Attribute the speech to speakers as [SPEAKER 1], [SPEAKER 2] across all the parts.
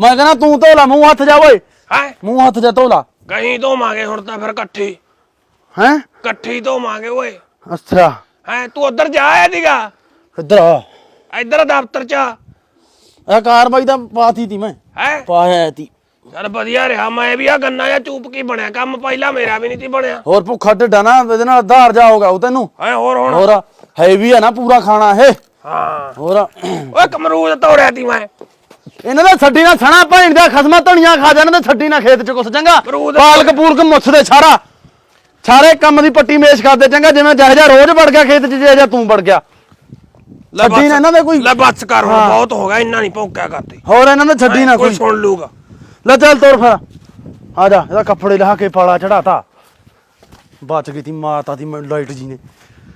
[SPEAKER 1] मैं कहना तू धो ला मूंह हथ जा ओए
[SPEAKER 2] है
[SPEAKER 1] मूंह हथ जा धो ला
[SPEAKER 2] कहीं धोवांगे हुण तां फिर इकट्ठी
[SPEAKER 1] हैं
[SPEAKER 2] इकट्ठी धोवांगे ओए
[SPEAKER 1] अच्छा
[SPEAKER 2] है तू उधर जा आया दीगा
[SPEAKER 1] इधर आ
[SPEAKER 2] इधर दफ्तर च
[SPEAKER 1] कार्रवाई ਤਾਂ ਪਾਤੀ ਤੀ ਮੈਂ
[SPEAKER 2] है
[SPEAKER 1] ਪਾਇਆ ਤੀ
[SPEAKER 2] चल ਵਧੀਆ ਰਿਹਾ मैं भी आ गन्ना या चूप की बनया काम पहला मेरा भी नहीं थी बनया
[SPEAKER 1] ਹੋਰ ਭੁੱਖਾ ਢਿੱਡਾ ਨਾ ਇਹਦੇ ਨਾਲ ਆਧਾਰ ਜਾ ਹੋਗਾ ਉਹ ਤੈਨੂੰ
[SPEAKER 2] है और हुण
[SPEAKER 1] ਹੋਰ ਹੈਵੀ ਆ ਨਾ ਪੂਰਾ ਖਾਣਾ ਇਹ
[SPEAKER 2] हाँ
[SPEAKER 1] ਹੋਰ
[SPEAKER 2] ओए कमरूद तोड़या थी मैं
[SPEAKER 1] ਇਹਨਾਂ ਦਾ ਛੱਡੀ ਨਾ ਛਣਾ ਭੈਣ ਦਾ ਖਸਮਾ ਧਣੀਆਂ ਖਾ ਜਾਣ ਤੇ ਛੱਡੀ ਨਾ ਖੇਤ ਚ ਕੁਛ ਚੰਗਾ
[SPEAKER 2] ਅਮਰੂਦ
[SPEAKER 1] ਪਾਲਕ ਪੂਲਕ ਮੁੱਛਦੇ ਸਾਰਾ ਸਾਰੇ ਕੰਮ ਦੀ ਪੱਟੀ ਮੇਸ਼ ਕਰਦੇ ਚੰਗਾ ਜਿਵੇਂ ਜਿਹੋ ਜਿਹਾ ਰੋਜ਼ ਵੜ ਗਿਆ ਖੇਤ ਚ ਜਿਹੋ ਜਿਹਾ ਤੂੰ ਵੜ ਗਿਆ ਛੱਡੀ ਨਾ ਇਹਨਾਂ ਦੇ ਕੋਈ
[SPEAKER 2] ले बस कर हुण बहुत हो गया इन्ना नहीं भौंकिया करते
[SPEAKER 1] ਹੋਰ ਇਹਨਾਂ ਦੇ ਛੱਡੀ ਨਾ
[SPEAKER 2] कोई
[SPEAKER 1] ਕੋਈ
[SPEAKER 2] सुन लूगा
[SPEAKER 1] ਲੈ ਚੱਲ ਤੋਰ ਫਿਰ ਆ ਜਾ ਇਹਦਾ ਕੱਪੜੇ ਲਾ ਕੇ ਪਾਲਾ ਚੜਾਤਾ ਬਚ ਗਈ ਤੀ ਮਾਤਾ ਦੀ ਲਾਈਟ ਜੀ ਨੇ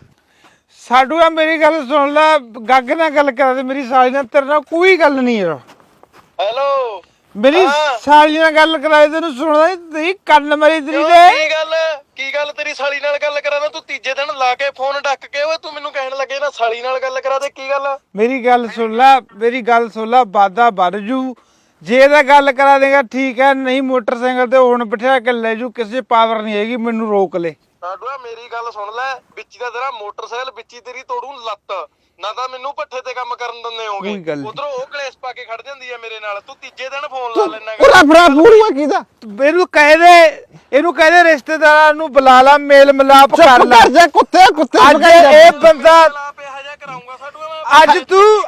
[SPEAKER 3] ਸਾਡੂ ਆ ਮੇਰੀ ਗੱਲ ਸੁਣ ਲੈ ਗੱਗ ਨਾਲ ਗੱਲ ਕਰਾ ਦੇ ਮੇਰੀ ਸਾਲੀ ਨਾਲ ਤੇਰੇ ਨਾਲ ਕੋਈ ਗੱਲ ਨਹੀਂ ਯਾਰ
[SPEAKER 4] ਹੈਲੋ
[SPEAKER 3] ਮੇਰੀ ਸਾਲੀ ਨਾਲ ਗੱਲ ਕਰਾਏ ਤੈਨੂੰ ਸੁਣਦਾ ਨਹੀਂ ਕੰਨ ਮਰੀ ਤੇਰੀ ਦੇ
[SPEAKER 4] ਕੀ ਗੱਲ ਤੇਰੀ ਸਾਲੀ ਨਾਲ ਗੱਲ ਕਰਾਣਾ ਤੂੰ ਤੀਜੇ ਦਿਨ ਲਾ ਕੇ ਫੋਨ ਡੱਕ ਕੇ ਓਏ ਤੂੰ ਮੈਨੂੰ ਕਹਿਣ ਲੱਗੇ ਨਾ ਸਾਲੀ ਨਾਲ ਗੱਲ ਕਰਾ ਦੇ ਕੀ ਗੱਲ
[SPEAKER 3] ਮੇਰੀ ਗੱਲ ਸੁਣ ਲੈ ਵਾਦਾ ਵੱਧ ਜੂ ਜੇ ਇਹਦਾ ਗੱਲ ਕਰਾ ਦੇਗਾ ਠੀਕ ਹੈ ਨਹੀਂ ਮੋਟਰਸਾਈਕਲ ਤੇ ਹੁਣ ਬਿਠਾ ਕੇ ਲੈ ਜੂ ਕਿਸੇ ਪਾਵਰ ਨਹੀਂ ਹੈਗੀ ਮੈਨੂੰ ਰੋਕ ਲੈ
[SPEAKER 4] ਸਾਡੂਆ ਮੇਰੀ ਗੱਲ ਸੁਣ ਲੈ ਵਿੱਚ ਦਾ ਤੇਰਾ ਮੋਟਰਸਾਈਕਲ ਵਿੱਚ ਤੇਰੀ ਤੋੜੂ ਲੱਤ ਨਾ ਤਾਂ ਮੈਨੂੰ ਪੱਠੇ ਤੇ ਕੰਮ ਕਰਨ ਦਿੰਦੇ ਹੋਗੇ ਉਧਰੋਂ ਉਹ ਕਲੇਸ਼ ਪਾ ਕੇ ਖੜ ਜਾਂਦੀ ਹੈ ਮੇਰੇ ਨਾਲ ਤੂੰ ਤੀਜੇ ਦਿਨ ਫੋਨ ਲਾ ਲੈਣਾ
[SPEAKER 3] ਪੂਰਾ ਫਰਾ ਪੂਰਾ ਕੀਦਾ ਇਹਨੂੰ ਕਹਿ ਦੇ ਰਿਸ਼ਤੇਦਾਰਾਂ ਨੂੰ ਬੁਲਾ ਲਾ ਮੇਲ ਮਿਲਾਪ ਕਰ ਲੈ ਜਾ ਕੁੱਤੇ ਅੱਜ ਇਹ ਬੰਦਾ
[SPEAKER 4] ਪਿਆ ਜਾ ਕਰਾਉਂਗਾ ਸਾਡੂਆ
[SPEAKER 3] ਅੱਜ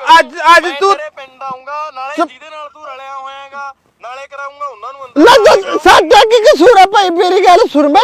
[SPEAKER 3] ਤੂੰ
[SPEAKER 4] ਪਿੰਡ ਆਉਂਗਾ ਨਾਲੇ ਜਿਹਦੇ ਨਾਲ ਤੂੰ ਰਲਿਆ ਹੋਇਆਗਾ ਨਾਲੇ ਕਰਾਉਂਗਾ ਉਹਨਾਂ ਨੂੰ ਅੰਦਰ
[SPEAKER 3] ਸਾਡਾ ਕੀ ਕਸੂਰ ਆ ਭਾਈ ਮੇਰੀ ਗੱਲ ਸੁਣ ਮੈਂ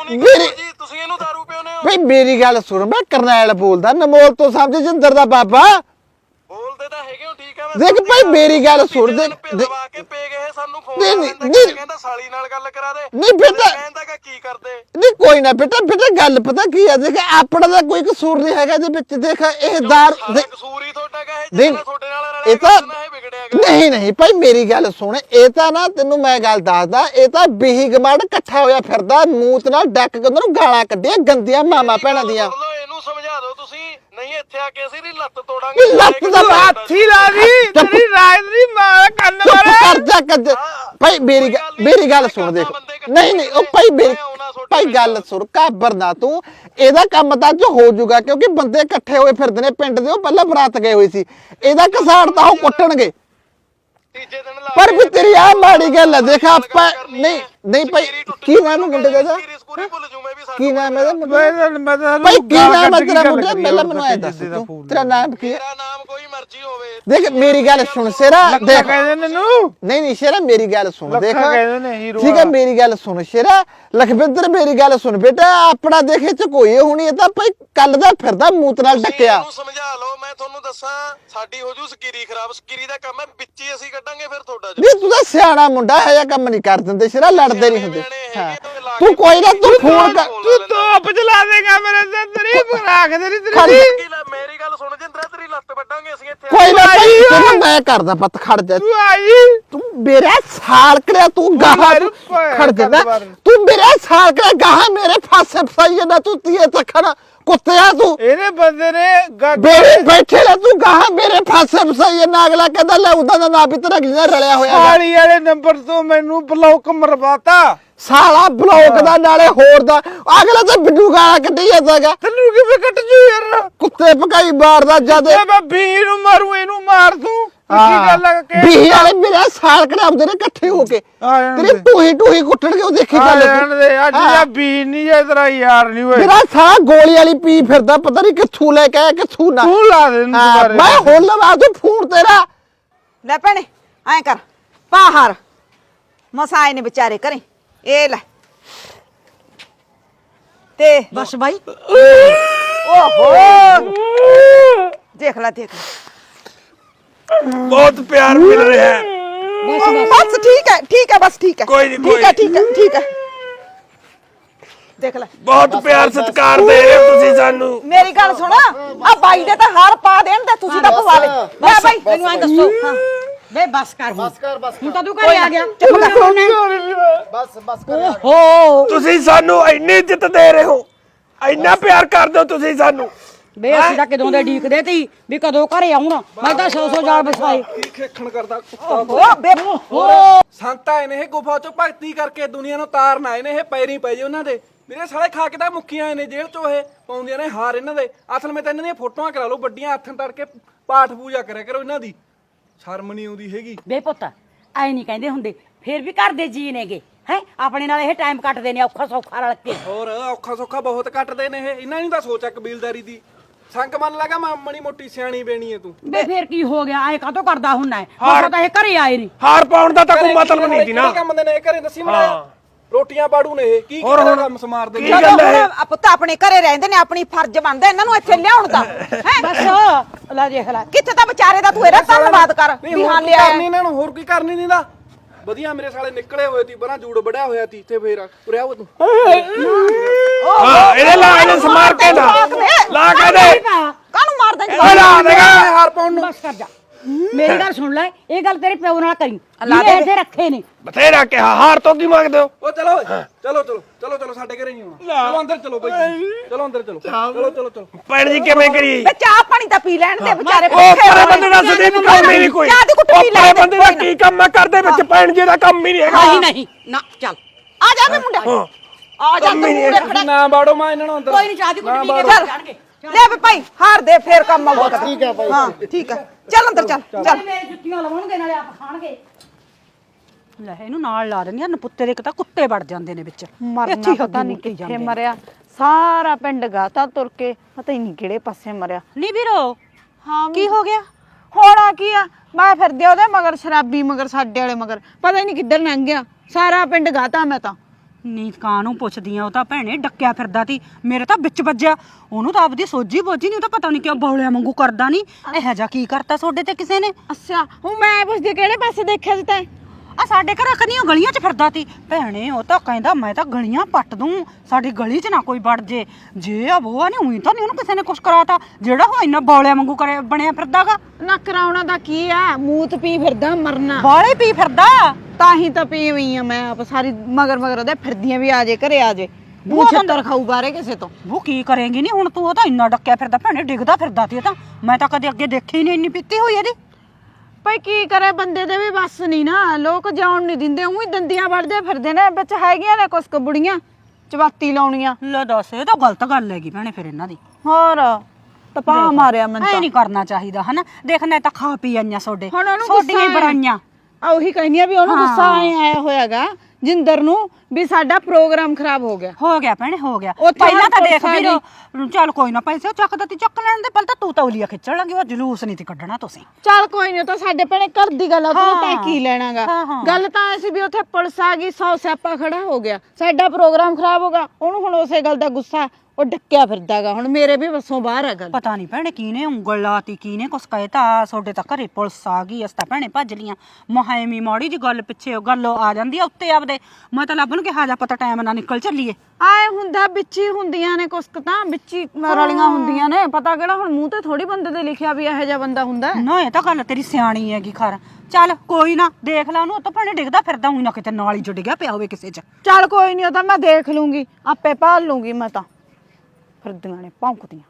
[SPEAKER 4] ਜੀ ਤੁਸੀਂ ਇਹਨੂੰ ਦਾਰੂ ਪਿਉਨੇ ਹੋ
[SPEAKER 3] ਭਾਈ ਮੇਰੀ ਗੱਲ ਸੁਣ ਮੈਂ ਕਰਨੈਲ ਬੋਲਦਾ ਨਮੋਲ ਤੋਂ ਸਮਝ ਜਿੰਦਰ ਦਾ ਬਾਬਾ
[SPEAKER 4] ਬੋਲਦੇ ਤਾਂ ਹੈਗੇ ਹੋ ਠੀਕ ਆ
[SPEAKER 3] ਦੇਖ ਭਾਈ ਮੇਰੀ ਗੱਲ ਸੁਣ ਦੇ
[SPEAKER 4] ਦਬਾ ਕੇ ਪੇ ਗਏ ਸਾਨੂੰ ਫੋਨ
[SPEAKER 3] ਨਹੀਂ
[SPEAKER 4] ਕਹਿੰਦਾ ਸਾਲੀ ਨਾਲ ਗੱਲ ਕਰਾ ਦੇ
[SPEAKER 3] ਨਹੀਂ ਬੇਟਾ
[SPEAKER 4] ਕਹਿੰਦਾ ਕਿ ਕੀ ਕਰਦੇ
[SPEAKER 3] ਨਹੀਂ ਕੋਈ ਨਾ ਬੇਟਾ ਗੱਲ ਪਤਾ ਕੀ ਆ ਦੇਖ ਆਪਣਾ ਦਾ ਕੋਈ ਕਸੂਰ ਨਹੀਂ ਹੈਗਾ ਦੇ ਵਿੱਚ ਦੇਖ ਇਹ ਦਾਰ
[SPEAKER 4] ਕਸੂਰ ਹੀ ਤੁਹਾਡਾ ਕਹੇ ਤੁਹਾਡੇ ਨਾਲ ਰਲਿਆ
[SPEAKER 3] ਇਹ ਤਾਂ
[SPEAKER 4] ਵਿਗੜਿਆ
[SPEAKER 3] ਨਹੀਂ ਭਾਈ ਮੇਰੀ ਗੱਲ ਸੁਣ ਇਹ ਤਾਂ ਨਾ ਤੈਨੂੰ ਮੈਂ ਗੱਲ ਦੱਸਦਾ ਇਹ ਤਾਂ ਬਿਹੀ ਗਮਾੜ ਇਕੱਠਾ ਹੋਇਆ ਫਿਰਦਾ ਮੂਤ ਨਾਲ ਡੱਕ ਕੇ ਉਹਨੂੰ ਗਾਲਾਂ ਕੱਢੀਆਂ ਗੰਦੀਆਂ ਮਾਮਾ ਭੈਣਾਂ ਦੀਆਂ
[SPEAKER 4] ਇਹਨੂੰ ਸਮਝਾ ਦਿਓ ਤੁਸੀਂ ਨਹੀਂ ਇੱਥੇ ਆ ਕੇ ਅਸੀਂ ਦੀ ਲੱਤ ਤੋੜਾਂਗੇ
[SPEAKER 3] ਲੱਤ ਦਾ ਹਾਥੀ ਲਾ ਦੀ ਤੇਰੀ ਰਾਜ ਦੀ ਮਾਂ ਕੰਨ ਮਾਰੇ ਕਰ ਜਾ ਕੱਜ ਭਾਈ ਮੇਰੀ ਗੱਲ ਸੁਣ ਦੇਖ ਨਹੀਂ ਉਹ ਭਾਈ ਗੱਲ ਸੁਣ ਕਾਬਰ ਨਾ ਤੂੰ ਇਹਦਾ ਕੰਮ ਤਾਂ ਅੱਜ ਹੋ ਜਾਊਗਾ ਕਿਉਂਕਿ ਬੰਦੇ ਇਕੱਠੇ ਹੋਏ ਫਿਰਦੇ ਨੇ ਪਿੰਡ ਦੇ ਉਹ ਪਹਿਲਾਂ ਬਰਾਤ ਗਏ ਹੋਏ ਸੀ ਇਹਦਾ ਕਸਾੜ ਤਾਂ ਉਹ ਕੁੱਟਣਗੇ
[SPEAKER 4] ਤੀਜੇ ਦਿਨ
[SPEAKER 3] ਪਰ ਵੀ ਤੇਰੀ ਆ ਮਾੜੀ ਗੱਲ ਹੈ ਦੇਖ ਆਪਾਂ ਨਹੀਂ ਭਾਈ ਕੀ ਨਾਮ ਹੈ ਮੁੰਡੇ ਦਾ ਕੀ ਨਾਮ ਹੈ ਭਾਈ ਕੀ ਨਾਮ ਹੈ ਤੇਰਾ ਮੁੰਡਾ ਪਹਿਲਾਂ ਮੈਨੂੰ ਐ ਦੱਸ ਤੂੰ ਤੇਰਾ ਨਾਮ ਕੀ ਹੈ
[SPEAKER 4] ਤੇਰਾ ਨਾਮ ਕੋਈ ਮਰਜ਼ੀ ਹੋਵੇ
[SPEAKER 3] ਦੇਖ ਮੇਰੀ ਗੱਲ ਸੁਣ ਸ਼ੇਰਾ ਦੇਖ ਕਹਿੰਦੇ ਨੇ ਨਹੀਂ ਸ਼ੇਰਾ ਮੇਰੀ ਗੱਲ ਸੁਣ ਦੇਖ ਕਹਿੰਦੇ ਨੇ ਹੀਰੋ ਠੀਕ ਹੈ ਮੇਰੀ ਗੱਲ ਸੁਣ ਸ਼ੇਰਾ ਲਖਵਿੰਦਰ ਮੇਰੀ ਗੱਲ ਸੁਣ ਬੇਟਾ ਆਪਣਾ ਦੇਖੇ ਚ ਕੋਈ ਹੋਣੀ ਇਹ ਤਾਂ ਭਾਈ ਕੱਲ ਦਾ ਫਿਰਦਾ ਮੂਤ ਨਾਲ ਡੱਕਿਆ
[SPEAKER 4] ਇਹਨੂੰ ਸਮਝਾ ਲਓ ਮੈਂ ਤੁਹਾਨੂੰ ਦੱਸਾਂ ਸਾਡੀ ਹੋ ਜੂ ਸਕੀਰੀ ਖਰਾਬ ਸਕੀਰੀ ਦਾ ਕੰਮ ਹੈ ਵਿੱਚ ਹੀ ਅਸੀਂ ਕੱਢਾਂਗੇ ਫਿਰ ਤੁਹਾਡਾ
[SPEAKER 3] ਨਹੀਂ ਤੂੰ ਤਾਂ ਸਿਆਣਾ ਮੁੰਡਾ ਹੈ ਜਾਂ ਕੰਮ ਨਹੀਂ ਕਰ ਦਿੰਦੇ ਸ਼ੇਰਾ ਲੜਦੇ ਨਹੀਂ ਹੁੰਦੇ ਹਾਂ ਤੂੰ ਕੋਈ ਨਾ ਤੂੰ ਫੋਨ ਕਰ
[SPEAKER 2] ਤੂੰ ਤੋਪ ਚਲਾ ਦੇਗਾ ਮੇਰੇ ਤੇ ਤੇਰੀ ਰਾਖ ਦੇਣੀ ਤੇਰੀ
[SPEAKER 4] ਮੇਰੀ ਗੱਲ ਸੁਣ ਜਿੰਦਰਾ ਤੇਰੀ ਲੱਤ ਵੱਢਾਂਗੇ ਅਸੀਂ ਇੱਥੇ
[SPEAKER 3] ਕੋਈ ਨਾ ਭਾਈ ਤੈਨੂੰ ਮੈਂ ਕਰਦਾ ਪੱਤ ਖੜ ਜਾ
[SPEAKER 2] ਤੂੰ ਆਈ
[SPEAKER 3] ਤੂੰ ਮੇਰਾ ਸਾਲ ਕਰਿਆ ਤੂੰ ਗਾਹਾਂ ਖੜ ਜਾ ਤੂੰ ਮੇਰਾ ਸਾਲ ਕਰਿਆ ਗਾਹਾਂ ਮੇਰੇ ਫਾਸੇ ਫਸਾਈ ਜਾਂਦਾ ਤੂੰ ਤੀਏ ਤੱਕਣਾ ਕੁੱਤਿਆ ਤੂੰ
[SPEAKER 2] ਇਹਨੇ ਬੰਦੇ ਨੇ
[SPEAKER 3] ਬੈਠੇ ਲੈ ਤੂੰ ਗਾਹਾਂ ਮੇਰੇ ਫਾਸੇ ਫਸਾਈ ਨਾ ਅਗਲਾ ਕਹਿੰਦਾ ਲੈ ਉਹਦਾ ਦਾ ਨਾਂ ਵੀ ਤੇਰਾ ਕਿਹਨਾਂ ਰਲਿਆ ਹੋਇਆ
[SPEAKER 2] ਸਾਲੀ ਵਾਲੇ ਨੰਬਰ ਤੋਂ ਮੈਨੂੰ ਬਲੌਕ ਮਰਵਾਤਾ
[SPEAKER 3] ਸਾਲਾ ਬਲੌਕ ਦਾ ਨਾਲੇ ਹੋਰ ਦਾ ਅਗਲਾ ਤਾਂ ਬਿੱਡੂ ਗਾਲਾਂ ਕੱਢੀ ਜਾਂਦਾਗਾ
[SPEAKER 2] ਤੈਨੂੰ ਕਿਵੇਂ ਕੱਟ ਜੂ ਯਾਰ
[SPEAKER 3] ਕੁੱਤੇ ਭਕਾਈ ਮਾਰਦਾ ਜਦ
[SPEAKER 2] ਮੈਂ ਬੀ ਨੂੰ ਮਾਰੂ ਇਹਨੂੰ ਮਾਰ ਦੂੰ ਕੀ ਗੱਲ ਆ ਕਿ
[SPEAKER 3] ਬੀ ਵਾਲੇ ਮੇਰਾ ਸਾਲ ਕਢਾਉਂਦੇ ਨੇ ਇਕੱਠੇ ਹੋ ਕੇ ਤੇਰੀ ਟੂਹੀ ਕੁੱਟਣਗੇ ਉਹ ਦੇਖੀ ਗੱਲ
[SPEAKER 2] ਅੱਜ ਇਹ ਬੀ ਨਹੀਂ ਹੈ ਤੇਰਾ ਯਾਰ ਨਹੀਂ ਹੋਏ
[SPEAKER 3] ਮੇਰਾ ਸਾਲਾ ਗੋਲੀ ਵਾਲੀ ਪੀ ਫਿਰਦਾ ਪਤਾ ਨਹੀਂ ਕਿੱਥੋਂ ਲੈ ਕੇ ਆਇਆ ਕਿੱਥੋਂ ਨਾ
[SPEAKER 2] ਤੂੰ ਲਾ ਦੇ
[SPEAKER 3] ਮੈਂ ਹੁਣ ਲਵਾ ਦੂੰ ਫੋਨ ਤੇਰਾ
[SPEAKER 5] ਲੈ ਭੈਣੇ ਐਂ ਕਰ ਬਾਹਰ ਮਸਾਏ ਨੇ ਵਿਚਾਰੇ ਕਰੇ ਇਹ ਲੈ ਤੇ ਬਸ ਬਾਈ ਓਹੋ ਦੇਖ ਲੈ
[SPEAKER 2] बहुत प्यार मिल रहा है
[SPEAKER 5] बस ठीक है बस ठीक है
[SPEAKER 2] कोई नहीं
[SPEAKER 5] ठीक है देख ले
[SPEAKER 2] बहुत प्यार सत्कार दे रहे हो तुसी सानू
[SPEAKER 5] मेरी गल सुन आ बाई दे ता हार पा देन ते तुसी ता पवा ले ले भाई मैनू ऐ दसो हां बे बस कर हुन ता तू घरे आ गया चुप कर बस कर ओहो
[SPEAKER 2] तुसी सानू इतनी इज्जत दे रहे हो इतना प्यार कर दो तुसी सानू
[SPEAKER 5] ਬੇ ਅਸੀਂ ਤਾਂ ਕਦੋਂ ਦੇ ਢੀਕਦੇ ਤੀ ਵੀ ਕਦੋਂ ਘਰੇ ਆਉਣ ਮੈਂ ਤਾਂ 100 ਜਾਲ ਬਸਾਏ
[SPEAKER 6] ਕੀ ਖੇਖਣ ਕਰਦਾ ਕੁੱਤਾ
[SPEAKER 5] ਓ ਬੇ
[SPEAKER 6] ਸੰਤ ਆਏ ਨੇ ਇਹ ਗੁਫਾ ਚੋਂ ਭਗਤੀ ਕਰਕੇ ਦੁਨੀਆ ਨੂੰ ਤਾਰਨ ਆਏ ਨੇ ਇਹ ਪੈਰੀ ਪੈ ਜੇ ਉਹਨਾਂ ਦੇ ਵੀਰੇ ਸਾਲੇ ਖਾ ਕੇ ਤਾਂ ਮੁੱਕੀਆਂ ਆਏ ਨੇ ਜੇਲ੍ਹ ਚੋਂ ਇਹ ਪਾਉਂਦੀਆਂ ਨੇ ਹਾਰ ਇਹਨਾਂ ਦੇ ਅਸਲ ਵਿੱਚ ਤਾਂ ਇਹਨਾਂ ਦੀਆਂ ਫੋਟੋਆਂ ਕਰਾ ਲਓ ਵੱਡੀਆਂ ਹੱਥਾਂ ਤੜਕੇ ਪਾਠ ਪੂਜਾ ਕਰਿਆ ਕਰੋ ਇਹਨਾਂ ਦੀ ਸ਼ਰਮ ਨਹੀਂ ਆਉਂਦੀ ਹੈਗੀ
[SPEAKER 5] ਬੇ ਪੁੱਤ ਐ ਨਹੀਂ ਕਹਿੰਦੇ ਹੁੰਦੇ ਫੇਰ ਵੀ ਘਰ ਦੇ ਜੀ ਨੇਗੇ ਹੈ ਆਪਣੇ ਨਾਲ ਇਹ ਟਾਈਮ ਕੱਟਦੇ ਨੇ ਔਖਾ ਸੌਖਾ ਰਲ ਕੇ
[SPEAKER 6] ਹੋਰ ਔਖਾ ਸੌਖਾ ਬਹੁਤ ਕੱਟਦੇ ਨੇ ਇਹ ਇਹਨਾਂ ਨੂੰ ਤਾਂ ਸੋਚ ਆ ਕਬੀਲਦਾਰੀ ਦੀ ਸੰਗ ਮੰਨ ਲਗਾ ਮਣੀ ਮੋਟੀ ਸਿਆਣੀ ਬੇਣੀ ਹੈ ਤੂੰ
[SPEAKER 5] ਬੇ ਫੇਰ ਕੀ ਹੋ ਗਿਆ ਐ ਕਾਹਤੋਂ ਕਰਦਾ ਹੁੰਨਾ ਹੈ ਹੁਣ ਤਾਂ ਇਹ ਘਰੇ ਆਏ ਨਹੀਂ
[SPEAKER 2] ਹਾਰ ਪਾਉਣ ਦਾ ਤਾਂ ਕੋਈ ਮਤਲਬ ਨਹੀਂ ਸੀ ਨਾ
[SPEAKER 6] ਕਿਹੜੇ ਕੰਮ ਦੇ ਨੇ ਇਹ ਘਰੇ ਦੱਸੀ ਮੜਾ ਰੋਟੀਆਂ ਬਾੜੂ ਨੇ ਇਹ ਕੀ
[SPEAKER 2] ਹੋਰ
[SPEAKER 6] ਕਿਹੜਾ
[SPEAKER 2] ਹੁਣ
[SPEAKER 6] ਕੰਮ ਸਮਾਰਦੇ ਨੇ
[SPEAKER 2] ਗੱਲ ਹੈ
[SPEAKER 7] ਪੁੱਤ ਆਪਣੇ ਘਰੇ ਰਹਿੰਦੇ ਨੇ ਆਪਣੀ ਫਰਜ਼ ਬਣਦਾ ਇਹਨਾਂ ਨੂੰ ਇੱਥੇ ਲਿਆਉਣ ਦਾ ਹੈ
[SPEAKER 5] ਬਸ ਲੈ ਦੇਖ ਲੈ
[SPEAKER 7] ਕਿੱਥੇ ਤਾਂ ਵਿਚਾਰੇ ਦਾ ਤੂੰ ਇਹਦਾ ਧੰਨਵਾਦ ਕਰ
[SPEAKER 6] ਨਹੀਂ
[SPEAKER 7] ਵੀ
[SPEAKER 6] ਹੋਰ
[SPEAKER 7] ਹਾਂ
[SPEAKER 6] ਕੀ
[SPEAKER 7] ਲਿਆ
[SPEAKER 6] ਕਰਨੀ ਇਹਨਾਂ ਨੂੰ ਹੋਰ ਕੀ ਕਰਨੀ ਦਿੰਦਾ ਵਧੀਆ ਮੇਰੇ ਸਾਲੇ ਨਿਕਲੇ ਹੋਏ ਤੀ ਬਣਾ ਜੂੜ ਬੜਿਆ ਹੋਇਆ ਤੀ ਤੇ ਫੇਰ ਉਰਿਆ ਉਹ ਤੂੰ
[SPEAKER 2] ਹਾਂ ਇਹਦੇ ਲਾ ਇਹਨੇ ਸਮਾਰ ਕੇ ਲਾ ਕੇ ਦੇ
[SPEAKER 7] ਕਾਹਨੂੰ ਮਾਰਦਾ ਜੀ
[SPEAKER 2] ਓ ਲਾ ਦੇਗਾ
[SPEAKER 6] ਹਾਰ ਪਾਉਣ ਨੂੰ
[SPEAKER 5] ਬਸ ਕਰ ਜਾ ਮੇਰੀ ਗੱਲ ਸੁਣ ਲੈ ਇਹ ਗੱਲ ਤੇਰੇ ਪਿਓ ਨਾਲ ਕਰੀ ਇਹ ਇੱਥੇ ਰੱਖੇ ਨੇ
[SPEAKER 2] ਬਥੇਰਾ ਕਿਹਾ ਹਾਰ ਤੋਂ ਕੀ ਮੰਗਦੇ ਹੋ
[SPEAKER 6] ਉਹ ਚਲੋ ਚਲੋ ਸਾਡੇ ਘਰੇ ਨਹੀਂ ਆਉਣਾ ਚਲੋ ਅੰਦਰ ਚਲੋ ਬਾਈ ਚਲੋ ਅੰਦਰ ਚਲੋ ਚਲੋ
[SPEAKER 2] ਭੈਣ ਜੀ ਕਿਵੇਂ ਕਰੀ
[SPEAKER 7] ਵੇ ਚਾਹ ਪਾਣੀ ਤਾਂ ਪੀ ਲੈਣ ਦੇ ਵਿਚਾਰੇ
[SPEAKER 2] ਉਹ ਪਰੇ ਬੰਦੇ ਦਾ ਸਦੀਪ ਕੰਮ ਹੀ ਨਹੀਂ ਕੋਈ
[SPEAKER 7] ਚਾਹ ਦੀ ਕੁੱਟ ਪੀ
[SPEAKER 2] ਉਹ
[SPEAKER 7] ਲੈਣ
[SPEAKER 2] ਪਰੇ ਬੰਦੇ ਦਾ ਕੀ ਕੰਮ ਆ ਕਰਦੇ ਵਿੱਚ ਭੈਣ ਜੀ ਦਾ ਕੰਮ ਹੀ ਨਹੀਂ ਹੈਗਾ
[SPEAKER 5] ਨਹੀਂ ਨਹੀਂ
[SPEAKER 7] ਨਾ ਚੱਲ ਆ ਜਾ ਵੇ ਮੁੰਡਾ ਆ ਜਾ ਤੂੰ ਮੂਹਰੇ ਖੜਾ
[SPEAKER 6] ਨਾ ਬਾੜੋ ਮਾਂ ਇਹਨਾਂ ਨੂੰ ਅੰਦਰ
[SPEAKER 5] ਕੋਈ ਨਹੀਂ ਚਾਹ ਦੀ ਕੁੱਟ ਪੀ ਕੇ
[SPEAKER 7] ਚੱਲ
[SPEAKER 5] ਜਾਣਗੇ
[SPEAKER 7] ਲੈ ਵੇ ਭਾਈ ਹਾਰ ਦੇ ਫੇਰ ਕੰਮ ਆਊਗਾ ਠੀਕ ਹੈ ਭਾਈ ਹਾਂ ਠੀਕ ਹੈ ਚੱਲ ਅੰਦਰ ਚੱਲ ਚੱਲ
[SPEAKER 5] ਮੇਰੇ ਜੁੱਤੀਆਂ ਲਵਾਉਣਗੇ ਨਾਲੇ ਆਪ ਖਾਣਗੇ ਲੈ ਇਹਨੂੰ ਨਾਲ ਲਾ ਦਿੰਦੀ ਆ ਨਪੁੱਤੇ ਦੇ ਇੱਕ ਤਾਂ ਕੁੱਤੇ ਵੜ ਜਾਂਦੇ ਨੇ ਵਿੱਚ
[SPEAKER 8] ਮਰਨਾ ਪਤਾ ਨਹੀਂ ਕਿੱਥੇ ਮਰਿਆ ਸਾਰਾ ਪਿੰਡ ਗਾਤਾ ਤੁਰ ਕੇ ਪਤਾ ਹੀ ਨਹੀਂ ਕਿਹੜੇ ਪਾਸੇ ਮਰਿਆ
[SPEAKER 5] ਨਹੀਂ ਵੀਰੋ
[SPEAKER 8] ਹਾਂ
[SPEAKER 5] ਕੀ ਹੋ ਗਿਆ
[SPEAKER 8] ਹੋਣਾ ਕੀ ਆ ਮੈਂ ਫਿਰਦੇ ਉਹਦੇ ਮਗਰ ਸ਼ਰਾਬੀ ਮਗਰ ਸਾਡੇ ਵਾਲੇ ਮਗਰ ਪਤਾ ਹੀ ਨਹੀਂ ਕਿੱਧਰ ਲੰਘ ਗਿਆ ਸਾਰਾ ਪਿੰਡ ਗਾਤਾ ਮੈਂ ਤਾਂ
[SPEAKER 5] ਨੀ ਕਾਹਨੂੰ ਪੁੱਛਦੀਆਂ ਉਹ ਤਾਂ ਭੈਣੇ ਡੱਕਿਆ ਫਿਰਦਾ ਤੀ ਮੇਰੇ ਤਾਂ ਵਿੱਚ ਵੱਜਿਆ ਉਹਨੂੰ ਤਾਂ ਆਪਦੀ ਸੋਝੀ ਬੋਝੀ ਨਹੀਂ ਉਹ ਤਾਂ ਪਤਾ ਨਹੀਂ ਕਿਉਂ ਬੌਲਿਆਂ ਵਾਂਗੂ ਕਰਦਾ ਨਹੀਂ ਇਹੋ ਜਿਹਾ ਕੀ ਕਰਤਾ ਤੁਹਾਡੇ ਤੇ ਕਿਸੇ ਨੇ
[SPEAKER 8] ਅੱਛਾ ਹੁਣ ਮੈਂ ਪੁੱਛਦੀ ਕਿਹੜੇ ਪਾਸੇ ਦੇਖਿਆ ਸੀ ਤੈਂ
[SPEAKER 5] ਆ ਸਾਡੇ ਘਰ ਕਨੀਆਂ ਗਲੀਆਂ 'ਚ ਫਿਰਦਾ ਤੀ ਭੈਣੇ ਉਹ ਤਾਂ ਕਹਿੰਦਾ ਮੈਂ ਤਾਂ ਗਲੀਆਂ ਪੱਟ ਦੂੰ ਸਾਡੀ ਗਲੀ 'ਚ ਨਾ ਕੋਈ ਵੜ ਜੇ ਜੇ ਆ ਉਹ ਨਹੀਂ ਉਹੀ ਤਾਂ ਨਹੀਂ ਉਹਨੂੰ ਕਿਸੇ ਨੇ ਕੁਛ ਕਰਾਤਾ ਜਿਹੜਾ ਉਹ ਇੰਨਾ ਬੌਲਿਆਂ ਵਾਂਗੂ ਕਰੇ ਬਣਿਆ ਫਿਰਦਾਗਾ
[SPEAKER 8] ਨਾ ਕਰਾਉਣਾ ਦਾ ਕੀ ਆ ਮੂਤ ਪੀ ਫਿਰਦਾ ਮਰਨਾ
[SPEAKER 5] ਬਾਲੇ ਪੀ ਫਿਰਦਾ
[SPEAKER 8] ਤਾਂ ਹੀ ਤਾਂ ਪੀ ਹੋਈ ਆ ਮੈਂ ਆਪ ਸਾਰੀ ਮਗਰ ਉਹਦੇ ਫਿਰਦੀਆਂ ਵੀ ਆ ਜੇ ਘਰੇ ਆ ਜੇ ਉਹ ਛੱਤਰ ਖਾਊ ਬਾਰੇ ਕਿਸੇ ਤੋਂ
[SPEAKER 5] ਉਹ ਕੀ ਕਰੇਂਗੀ ਨਹੀਂ ਹੁਣ ਤੂੰ ਉਹ ਤਾਂ ਇੰਨਾ ਡੱਕਿਆ ਫਿਰਦਾ ਭੈਣੇ ਡਿੱਗਦਾ ਫਿਰਦਾ ਤੀ ਇਹ ਤਾਂ ਮੈਂ ਤਾਂ ਕਦੇ ਅੱਗੇ ਦੇਖੀ ਨਹੀਂ ਇੰਨੀ ਪੀਤੀ ਹੋਈ ਇਹਦੀ
[SPEAKER 8] ਭਾਈ ਕੀ ਕਰੇ ਬੰਦੇ ਦੇ ਵੀ ਬਸ ਨਹੀਂ ਨਾ ਲੋਕ ਜਾਣ ਨਹੀਂ ਦਿੰਦੇ ਉਹੀ ਦੰਦੀਆਂ ਵੜਦੇ ਫਿਰਦੇ ਨੇ ਵਿੱਚ ਹੈਗੀਆਂ ਨੇ ਕੁਛ ਕੁ ਬੁੜੀਆਂ ਚਵਾਤੀ ਲਾਉਣੀਆਂ
[SPEAKER 5] ਲੈ ਦੱਸ ਇਹ ਤਾਂ ਗਲਤ ਗੱਲ ਹੈਗੀ ਭੈਣੇ ਫਿਰ ਇਹਨਾਂ ਦੀ
[SPEAKER 8] ਹੋਰ ਤਪਾ ਮਾਰਿਆ ਮੈਨੂੰ
[SPEAKER 5] ਐ
[SPEAKER 8] ਤਾਂ
[SPEAKER 5] ਨਹੀਂ ਕਰਨਾ ਚਾਹੀਦਾ ਹਨਾ ਦੇਖਣਾ ਤਾਂ ਖਾ ਪੀ ਆਈਆਂ ਤੁਹਾਡੇ
[SPEAKER 8] ਹੁਣ ਉਹਨੂੰ
[SPEAKER 5] ਤੁਹਾਡੀਆਂ ਹੀ
[SPEAKER 8] ਗੁੱਸਾ
[SPEAKER 5] ਬਰਾਈਆਂ
[SPEAKER 8] ਆ ਉਹੀ ਕਹਿੰਦੀ ਆ ਵੀ ਉਹਨੂੰ ਗੁੱਸਾ ਆਇਆ ਹੋਇਆਗਾ ਜਿੰਦਰ ਨੂੰ ਵੀ ਸਾਡਾ ਪ੍ਰੋਗਰਾਮ ਖਰਾਬ ਹੋ ਗਿਆ
[SPEAKER 5] ਹੋ ਗਿਆ ਭੈਣੇ ਹੋ ਗਿਆ
[SPEAKER 8] ਉੱਥੇ
[SPEAKER 5] ਪਹਿਲਾਂ ਤਾਂ
[SPEAKER 8] ਹੁਣ
[SPEAKER 5] ਦੇਖ
[SPEAKER 8] ਪੁਲਿਸ
[SPEAKER 5] ਵੀਰੋ ਚੱਲ ਕੋਈ ਨਾ ਪੈਸੇ ਚੱਕਦਾ ਤੀ ਚੱਕ ਲੈਣ ਦੇ ਪਹਿਲਾਂ ਤਾਂ ਤੂੰ ਤੌਲੀਆ ਖਿੱਚਣ ਲੱਗੀ ਉਹ ਜਲੂਸ ਨਹੀਂ ਤੀ ਕੱਢਣਾ ਤੁਸੀਂ
[SPEAKER 8] ਚੱਲ ਕੋਈ ਨਹੀਂ ਤਾਂ ਸਾਡੇ ਭੈਣੇ ਘਰ ਦੀ ਗੱਲ ਆ ਤੂੰ ਤਾਂ ਕੀ ਲੈਣਾਗਾ
[SPEAKER 5] ਹਾਂ, ਹਾਂ।
[SPEAKER 8] ਗੱਲ ਤਾਂ ਐ ਸੀ ਵੀ ਉੱਥੇ ਪੁਲਿਸ ਆ ਗਈ 100 ਸਿਆਪਾ ਖੜਾ ਹੋ ਗਿਆ ਸਾਡਾ ਪ੍ਰੋਗਰਾਮ ਖਰਾਬ ਹੋ ਗਿਆ ਉਹਨੂੰ ਹੁਣ ਉਸੇ ਗੱਲ ਦਾ ਗੁੱਸਾ ਉਹ ਡੱਕਿਆ ਫਿਰਦਾਗਾ ਹੁਣ ਮੇਰੇ ਵੀ ਵੱਸੋਂ ਬਾਹਰ ਆ ਗੱਲ
[SPEAKER 5] ਪਤਾ ਨਹੀਂ ਭੈਣੇ ਕਿਹਨੇ ਉਂਗਲ ਲਾਤੀ ਕਿਹਨੇ ਕੁਛ ਕਹਿਤਾ ਤੁਹਾਡੇ ਤਾਂ ਘਰੇ ਪੁਲਿਸ ਆ ਗਈ ਅਸ ਤਾਂ ਭੈਣੇ ਭੱਜ ਲੀਆਂ ਮਹਾਇਮੀ ਮਾੜੀ ਜੀ ਗੱਲ ਪਿੱਛੇ ਉਹ ਗੱਲ ਆ ਜਾਂਦੀ ਆ ਉੱਤੇ ਆਪਦੇ ਮੈਂ ਤਾਂ ਲੱਭ ਨੂੰ ਕਿਹਾ ਜਾ ਪਤਾ ਟਾਈਮ ਨਾਲ ਨਿਕਲ ਚੱਲੀਏ
[SPEAKER 8] ਆਏ ਹੁੰਦਾ ਵਿੱਚ ਹੀ ਹੁੰਦੀਆਂ ਨੇ ਕੁਛ ਕੁ ਤਾਂ ਵਿੱਚ ਹੀ ਰਲੀਆਂ ਹੁੰਦੀਆਂ ਨੇ ਪਤਾ ਕਿਹੜਾ ਹੁਣ ਮੂੰਹ ਤੇ ਥੋੜੀ ਬੰਦੇ ਦੇ ਲਿਖਿਆ ਵੀ ਇਹੋ ਜਿਹਾ ਬੰਦਾ ਹੁੰਦਾ
[SPEAKER 5] ਨਾ ਇਹ ਤਾਂ ਗੱਲ ਤੇਰੀ ਸਿਆਣੀ ਹੈਗੀ ਖਰ ਚੱਲ ਕੋਈ ਨਾ ਦੇਖ ਲਾ ਉਹਨੂੰ ਉਹ ਤਾਂ ਭੈਣੇ ਡਿੱਗਦਾ ਫਿਰਦਾ ਹੋਈ ਨਾ ਕਿਤੇ ਨਾਲ ਹੀ ਡਿੱਗਿਆ ਪਿਆ ਹੋਵੇ ਕਿਸੇ 'ਚ
[SPEAKER 8] ਚੱਲ ਕੋਈ ਨਹੀਂ ਉਹ ਤਾਂ ਮੈਂ ਦੇਖ ਲੂੰਗੀ ਆਪੇ ਭਾਲ ਲੂੰਗੀ ਮੈਂ ਤਾਂ ਫਿਰਦੀਆਂ ਨੇ ਭੌਂਕਦੀਆਂ